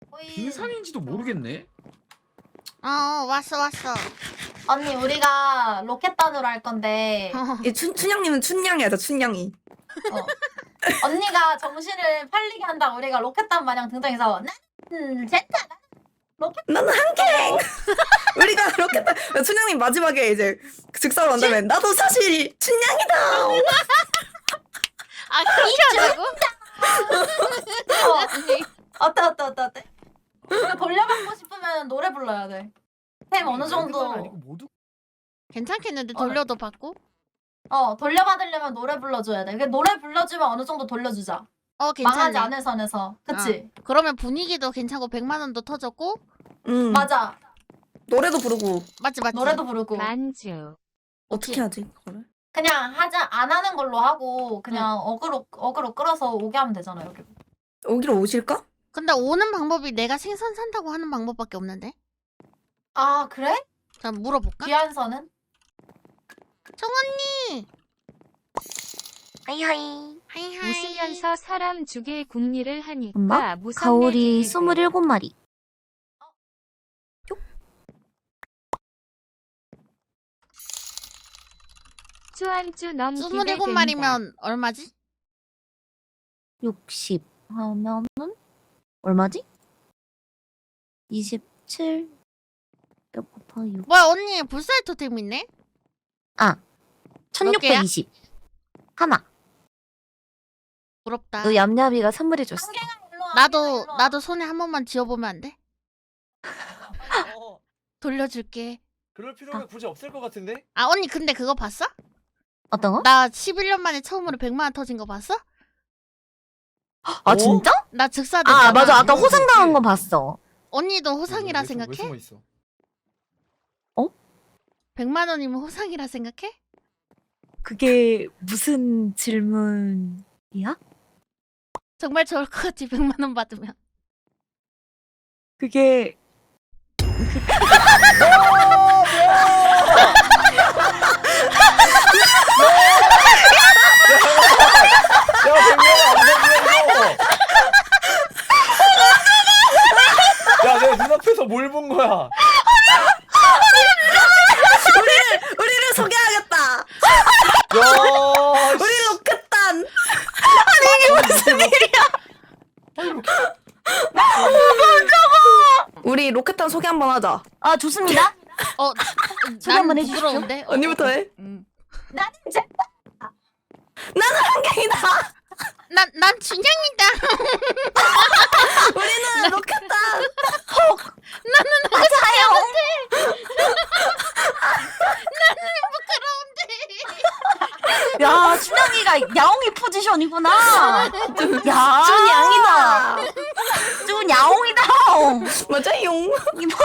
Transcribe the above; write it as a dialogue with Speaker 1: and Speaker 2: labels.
Speaker 1: 빙산인지도 모르겠네.
Speaker 2: 왔어.
Speaker 3: 언니 우리가 로켓단으로 할 건데
Speaker 4: 춘향님은 춘향이 하자 춘향이.
Speaker 3: 언니가 정신을 팔리게 한다고 우리가 로켓단 마냥 등장해서 나는 제타
Speaker 4: 나는 한갱. 우리가 로켓단 춘향님 마지막에 이제 즉사로 한다면 나도 사실 춘향이다.
Speaker 2: 그렇게 하자고?
Speaker 3: 어때? 이거 돌려받고 싶으면 노래 불러야 돼. 템 어느 정도
Speaker 1: 아니고 모두
Speaker 2: 괜찮겠는데 돌려도 받고?
Speaker 3: 돌려받으려면 노래 불러줘야 돼. 노래 불러주면 어느 정도 돌려주자.
Speaker 2: 괜찮네.
Speaker 3: 망하지 않을 선에서. 그치?
Speaker 2: 그러면 분위기도 괜찮고 100만 원도 터졌고.
Speaker 3: 맞아.
Speaker 4: 노래도 부르고.
Speaker 2: 맞지.
Speaker 3: 노래도 부르고.
Speaker 5: 만주.
Speaker 4: 어떻게 하지 그거를?
Speaker 3: 그냥 안 하는 걸로 하고 그냥 어그로 끌어서 오게 하면 되잖아 여기.
Speaker 4: 여기로 오실까?
Speaker 2: 근데 오는 방법이 내가 생선 산다고 하는 방법밖에 없는데?
Speaker 3: 아 그래?
Speaker 2: 자 물어볼까?
Speaker 3: 귀한선은?
Speaker 2: 정언니!
Speaker 6: 하이하이.
Speaker 5: 웃으면서 사람 죽일 궁리를 하니까
Speaker 6: 엄마?
Speaker 5: 무섭네.
Speaker 6: 가오리 27마리.
Speaker 5: 쭈안쭈 넘기게 된다.
Speaker 2: 27마리면 얼마지?
Speaker 6: 60 하면은 얼마지? 27 곱하기 6.
Speaker 2: 뭐야 언니 불사의 토템 있네? 몇 개야?
Speaker 6: 1620. 하나.
Speaker 2: 부럽다.
Speaker 6: 너 얌얌이가 선물해줬어.
Speaker 3: 일로 와.
Speaker 2: 나도 손에 한 번만 쥐어보면 안 돼? 돌려줄게.
Speaker 1: 그럴 필요가 굳이 없을 것 같은데?
Speaker 2: 언니 근데 그거 봤어?
Speaker 6: 어떤 거?
Speaker 2: 나 11년 만에 처음으로 100만 원 터진 거 봤어?
Speaker 6: 아 진짜?
Speaker 2: 나 즉사됐잖아.
Speaker 6: 아 맞아. 아까 호상당한 거 봤어.
Speaker 2: 언니도 호상이라
Speaker 1: 왜
Speaker 2: 생각해?
Speaker 1: 숨어 있어?
Speaker 2: 100만 원이면 호상이라 생각해?
Speaker 6: 그게 무슨 질문이야?
Speaker 2: 정말 좋을 것 같지 100만 원 받으면.
Speaker 6: 그게
Speaker 1: 야, 야, 내가 눈앞에서 뭘 본 거야?
Speaker 4: 우리를 소개하겠다.
Speaker 1: 야,
Speaker 4: 우리 로켓단.
Speaker 1: 무슨 일이야?
Speaker 4: 우리 로켓단 소개 한번 하자.
Speaker 6: 아 좋습니다. 소개
Speaker 2: 난
Speaker 6: 한번 해주십시오.
Speaker 2: 부끄러운데?
Speaker 4: 언니부터 해.
Speaker 3: 나는 제타.
Speaker 4: 나는 한갱이다.
Speaker 2: 난 준영이다.
Speaker 4: 우리는 로켓단.
Speaker 6: 야 춘향이가 야옹이 포지션이구나. 야
Speaker 4: 춘향이다.
Speaker 6: 춘 야옹이다.
Speaker 4: 맞아요.
Speaker 6: 이거